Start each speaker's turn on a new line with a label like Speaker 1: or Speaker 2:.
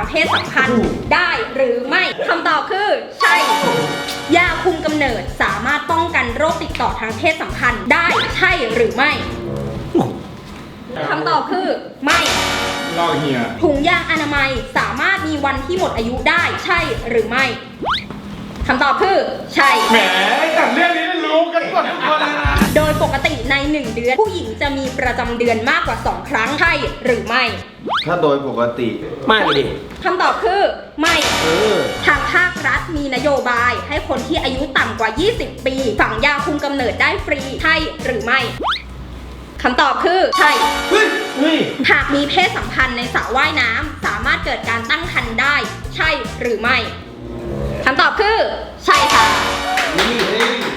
Speaker 1: เพศสัมพันธ์ได้หรือไม่คำตอบคือใช่ยาคุมกำเนิดสามารถป้องกันโรคติดต่อทางเพศสัมพันธ์ได้ใช่หรือไม่คำตอบคือไม่
Speaker 2: ลอกเฮีย
Speaker 1: ถุงยางอนามัยสามารถมีวันที่หมดอายุได้ใช่หรือไม่คำตอบคือใช่
Speaker 2: แหมแต่เรื่องนี้รู้กันหมดทุกคนเลยนะ
Speaker 1: โดยปกติใน1เดือนผู้หญิงจะมีประจำเดือนมากกว่า2ครั้งใช่หรือไม่
Speaker 3: ถ้าโดยปกติ
Speaker 4: ไม่ดิ
Speaker 1: คำตอบคือไม่
Speaker 4: อ
Speaker 1: ทางภาครัฐมีนโยบายให้คนที่อายุต่ำกว่า 20 ปีฝังยาคุมกำเนิดได้ฟรีใช่หรือไม่คำตอบคือใช่
Speaker 4: เฮ้ย
Speaker 1: หากมีเพศสัมพันธ์ในสระว่ายน้ำสามารถเกิดการตั้งครรภ์ได้ใช่หรือไม่คำตอบคือใช่ค่ะ